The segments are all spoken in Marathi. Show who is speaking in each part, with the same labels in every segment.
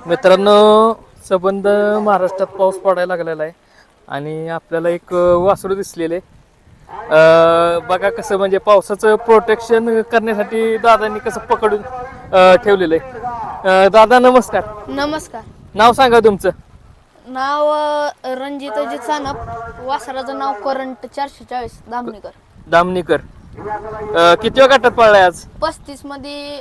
Speaker 1: मित्रांनो, सबंध महाराष्ट्रात पाऊस पडायला लागलेला आहे आणि आपल्याला एक वासरू दिसलेले बघा कसं म्हणजे पावसाचं प्रोटेक्शन करण्यासाठी दादांनी कसं पकडून ठेवलेलं आहे. दादा नमस्कार.
Speaker 2: नमस्कार.
Speaker 1: नाव सांगा तुमचं.
Speaker 2: नाव रणजित अजित सानप. वासराचं नाव करंट 440 दामणीकर.
Speaker 1: दामणीकर. किती वेळ गटात पडलाय आज?
Speaker 2: 35 मध्ये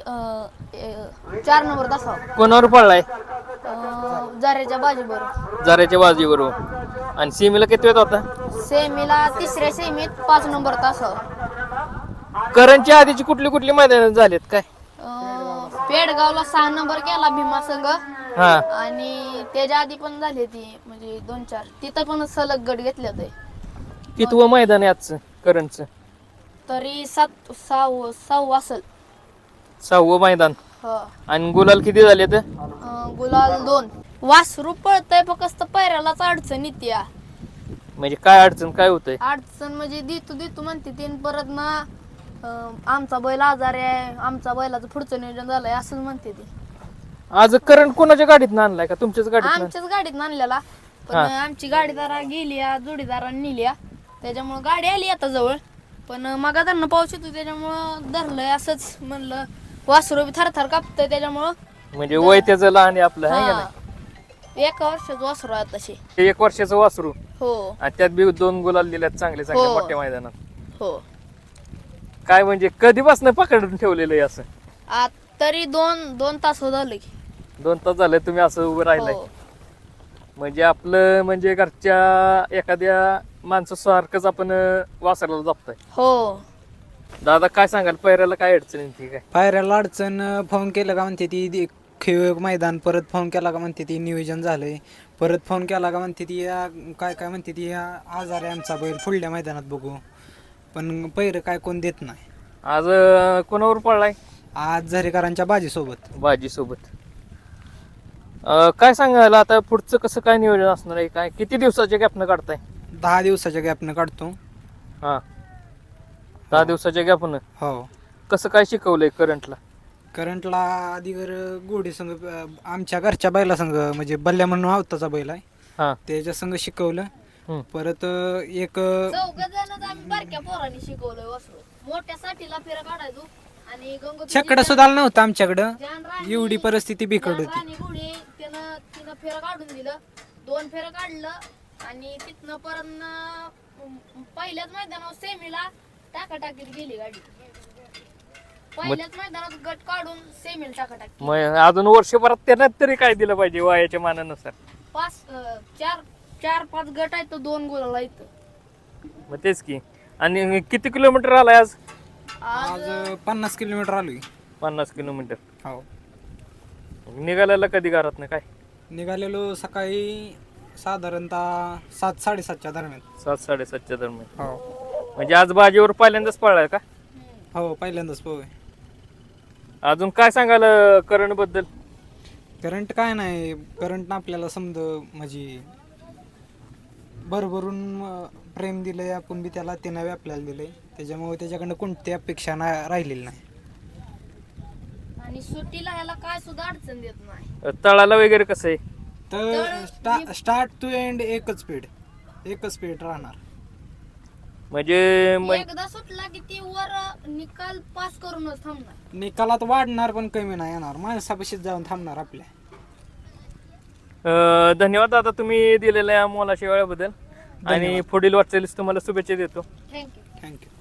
Speaker 2: 4 नंबर तासावर.
Speaker 1: कोणावर पडलाय?
Speaker 2: जाऱ्याच्या बाजीबरोबर.
Speaker 1: जाऱ्याच्या बाजीबरोबर. आणि सीमेला किती वेळ होता?
Speaker 2: सेमीला तिसऱ्या सेमीत 5 नंबर तासावर.
Speaker 1: करंटच्या आधीची कुठली कुठली मैदान झालेत काय?
Speaker 2: पेडगावला 6 नंबर केला भीमा संघ.
Speaker 1: हा.
Speaker 2: आणि त्याच्या आधी पण झाली ती म्हणजे 2-4 तिथं पण सलग गट घेतले होते.
Speaker 1: कितवं मैदान आहे आजचं करंटचं?
Speaker 2: तरी 6 असेल.
Speaker 1: 6वं मैदान. आणि गुलाल किती झाले तर?
Speaker 2: गुलाल 2. वासरू पळतय फक्त पैऱ्यालाच अडचण येते.
Speaker 1: म्हणजे काय अडचण काय होतंय?
Speaker 2: अडचण म्हणजे देतो म्हणते ते परत ना आमचा बैल आजारी आहे, आमचा बैलाचं पुढचं नियोजन झालंय असं म्हणते ते.
Speaker 1: आज करंट कोणाच्या गाडीत आणलाय का तुमच्याच गाडीत?
Speaker 2: आमच्याच गाडीत आणलेला, पण आमची गाडीदारा गेली जोडीदारांनी नेली, त्याच्यामुळे गाडी आली आता जवळ. पण मग धरणं पाऊस येतो त्याच्यामुळं धरलंय असंच म्हणलं. वासरू बी थरथर कापतंय त्याच्यामुळं.
Speaker 1: म्हणजे वय त्याचं लहान आहे आपलं आहे का नाही?
Speaker 2: 1 वर्षाचं वासरू आहे तशी.
Speaker 1: 1 वर्षाचं वासरू.
Speaker 2: हो
Speaker 1: आणि त्यात बी 2 गुलाल दिल्यात चांगले चांगले मोठ्या मैदानात.
Speaker 2: हो.
Speaker 1: काय म्हणजे कधीपासून पकडून ठेवलेलं आहे असं?
Speaker 2: तरी 2 तास झाले की.
Speaker 1: 2 तास झाले तुम्ही असं उभं राहिलाय. म्हणजे आपलं म्हणजे घरच्या एखाद्या माणसासारखंच आपण वासराला जपताय.
Speaker 2: हो.
Speaker 1: दादा काय सांगाल, पैऱ्याला काय अडचण येते काय?
Speaker 3: पायऱ्याला अडचण फोन केलं का म्हणते ती खेळ मैदान, परत फोन केला का म्हणते ती नियोजन झालंय, परत फोन केला का म्हणते ती काय म्हणते ती आजार आहे आमचा बैल पुढल्या मैदानात बघू, पण पैर काय कोण देत नाही.
Speaker 1: आज कोणावर पडलाय?
Speaker 3: आज झरेकरांच्या
Speaker 1: बाजीसोबत. काय सांगायला आता पुढचं कसं काय नियोजन असणार आहे? काय किती दिवसाच्या गॅपनं काढताय?
Speaker 3: 10 दिवसाच्या गॅपनं काढतो.
Speaker 1: हा, 10 दिवसाच्या गॅपनं.
Speaker 3: हो.
Speaker 1: कसं काय शिकवलंय
Speaker 3: करंटला आधीवर गोडी संघ आमच्या घरच्या बैला संघ म्हणजे बल्ल्या म्हणून आवताचा बैल आहे.
Speaker 1: हा.
Speaker 3: त्याच्या संघ शिकवलं. परत एक
Speaker 2: 4 जण आम्ही बारक्या पोरांनी शिकवलंय वासरू. मोठ्या साठीला फेरा काढायचो आणि
Speaker 3: छकडा सुद्धा नव्हता आमच्याकडं, एवढी परिस्थिती बिकट होती.
Speaker 2: तिनं फेरा काढून दिलं, 2 फेरा काढलं आणि तिथनं परत पहिल्याच मैदानावर सेमीला टाकाटाकीत गेली गाडी. पहिल्याच मैदानात गट काढून सेमीला टाकाटाकी.
Speaker 1: मग अजून वर्षभरात त्यानं तरी काय दिलं पाहिजे वयाच्या मानानुसार?
Speaker 2: 4-5 गट आहेत, 2 गोलाला इथं.
Speaker 1: मग तेच की. आणि किती किलोमीटर आलाय आज?
Speaker 3: आज 50 किलोमीटर आलोय.
Speaker 1: 50 किलोमीटर.
Speaker 3: हो.
Speaker 1: निघाल्याला कधी घरात ना काय?
Speaker 3: निघालेलो सकाळी साधारणतः 7-7:30च्या दरम्यान.
Speaker 1: 7-7:30च्या दरम्यान.
Speaker 3: हो.
Speaker 1: म्हणजे आज बाजीवर पहिल्यांदाच पळलाय का?
Speaker 3: हो, पहिल्यांदाच पोहे.
Speaker 1: अजून काय सांगाल करंट बद्दल?
Speaker 3: करंट काय नाही, करंटनं आपल्याला समज म्हणजे भरभरून प्रेम दिलंय, आपण बी त्याला त्यानं आपल्याला दिलंय, त्याच्यामुळे त्याच्याकडनं कोणती अपेक्षा राहिलेली नाही.
Speaker 2: आणि सुट्टीला ह्याला काय सुद्धा अडचण देत नाही.
Speaker 1: तळाला वगैरे कसं आहे?
Speaker 3: तर स्टार्ट टू एंड एकच स्पीड राहणार.
Speaker 1: म्हणजे
Speaker 2: एकदा सुटला की ती वर निकाल पास करूनच थांबणार.
Speaker 3: निकालात वाढणार पण कमी नाही येणार, माणसापाशीच जाऊन थांबणार आपल्या.
Speaker 1: धन्यवाद दादा तुम्ही दिलेल्या मोलाच्या वेळेबद्दल आणि पुढील वाटचालीस तुम्हाला शुभेच्छा देतो.
Speaker 2: थँक्यू.